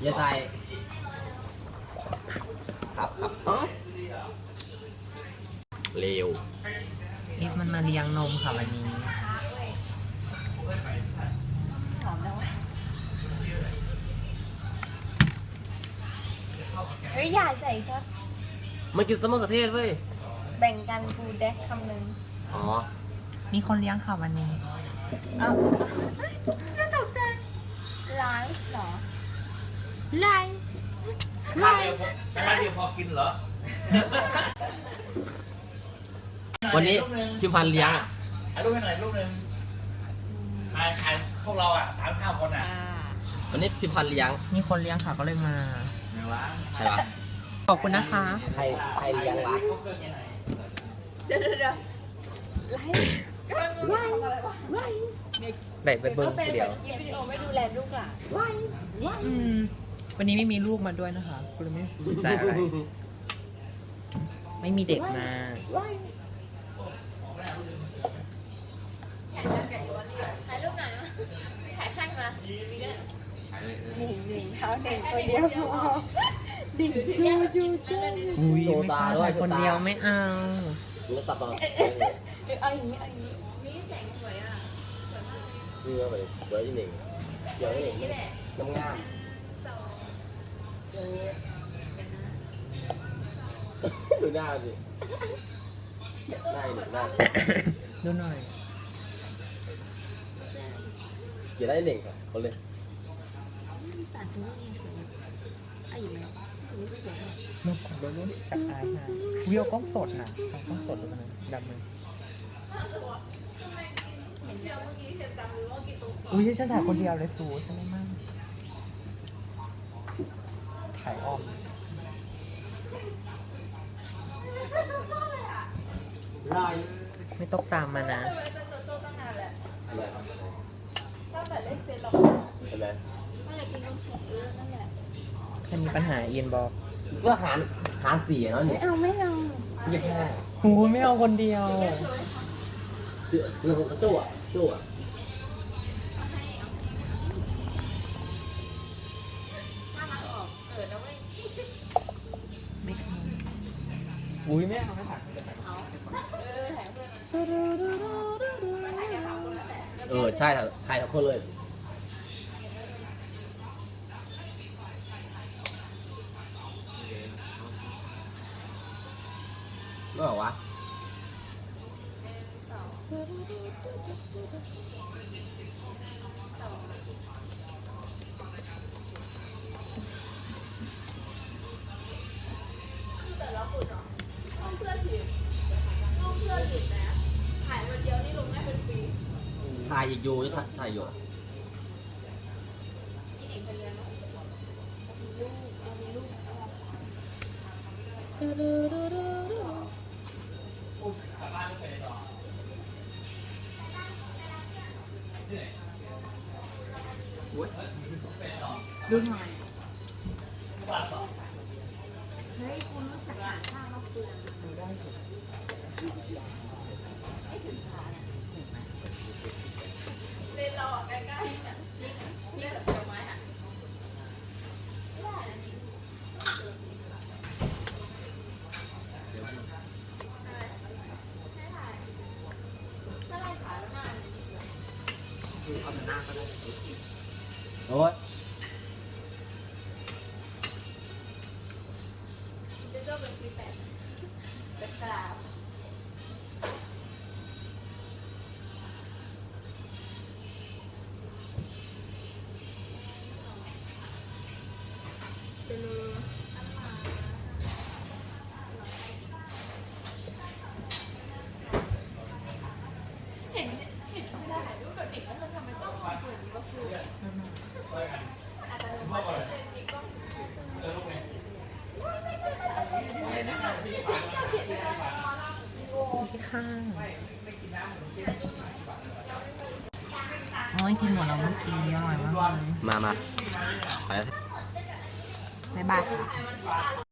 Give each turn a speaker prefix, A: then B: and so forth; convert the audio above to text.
A: อย่าใส่ครับเร็ว
B: นี่มันมาเลี้ยงนมค่ะวันนี้
C: เฮ้ยอย่าใส่ครับ
A: มันกินสมะเขือเทศเว้ย
C: แบ่งกันกูแดกคำหนึ่ง
A: อ๋อ
B: มีคนเลี้ยงค่ะวันนี้
C: อ้าวน่าตกใจไลฟ์เหรอไลฟ์
D: ข้าวเดียวพอกินเหรอ
A: วันนี้พิมพันธ์เลี้ยงอ่ะ
D: ถ่ายรูปให้หน่อยรูปหนึ่งถ่ายพวกเราอ่ะ3-5 คนอ่ะ
A: วันนี้พิมพันธ์เลี้ยง
B: มีคนเลี้ยงค่ะก็เลยมา
D: ไหนวะ
A: ใช่ปะ
B: ขอบคุณนะคะ
A: ใครเลี้ยงวะ
C: เดี๋ยวไลฟ์กำลังไลฟ์ไลฟ์
B: ได้ไปเบิ้ง
C: เป็น
B: เดียว
C: วิดีโอไม่ดูแลลูกหลานไลฟ์ไลฟ์
B: วันนี้ไม่มีลูกมาด้วยนะคะกูเลยไม่สนใจอะไร ไม่มีเด็กมา
C: ไลฟ์ถ่ายรูปหน่อยนะถ่ายข้างมาหนึ่งเท้าหนึ่งตัวเดียวพอดิ่งจูเจ้า
B: อุ้ย
A: โชว์
B: ไม่
A: ตาก
B: ล้า
A: ด้วย
B: ถ่ายคนเดียวไม่เอา
A: มึงตัดตอน
C: เอาอย่างนี้เอาอย่างนี้นี่แสงสวยอ่ะ
A: นี่ก็ไปเดี๋ยวที่หนึ่งเดี๋ยวที่หนึ่งน้ำงามดูหน้าสิหน้าหนึ่งหน้า
B: ดูหน่อย
A: เดี๋ยวได้หนึ่งครับคนเลย
C: สารตัวนี้สวยอายุแล้วนี่ก็สวย
B: นกของโดนจับตายค่ะวิวกล้องสดน่ะกล้องสดดูกันนะดำเลยอุ้ยฉันถ่ายคนเดียวเลยสูฉันไม่มั่งถ่ายอ้อม
A: ลอย
B: ไม่ต้องตามมานะ
A: อะไรครับ
C: ตั้งแต่เล่นเฟซเรา
A: เห็นไหม
C: ไม่อยากกินนมสดนั่นแหละ
B: ฉันมีปัญหาเอียนบอก
A: ก็หารสี่เนาะเนี่ย
C: ไม่เอา
A: เงียบแค่
B: หูไม่เอาคนเดียว
A: เรื่องของกระตัวตัว
B: ไม่เอาอุ้ยไม่เอาไม่ถ่าย
A: ใช่ใครทั้งคนเลยไม่บอกวะถ่ายอีกอยู่ถ่ายอยู่
B: ดูหน่อย
C: เฮ้ยคุณรู้จักหาข้าวมะเฟืองเล่นเราอ่ะใกล้ๆเนี่ยนี่แบบผลไม้อ่ะ
A: โอ้ย
C: เจ้าเป็นปีแปดเป็นกราบเห็นไม่ได้ถ่ายรูปกับเด็กแล้วเธอทำไมต้องสวยนี้วะครูอาจจะเป็นเด็กก็
B: ที่ข้างโอ้ยกินหมดแล้วเมื่อกี้อร่อยมากเลย
A: มาไปแล้ว
B: บ๊ายบายค่ะ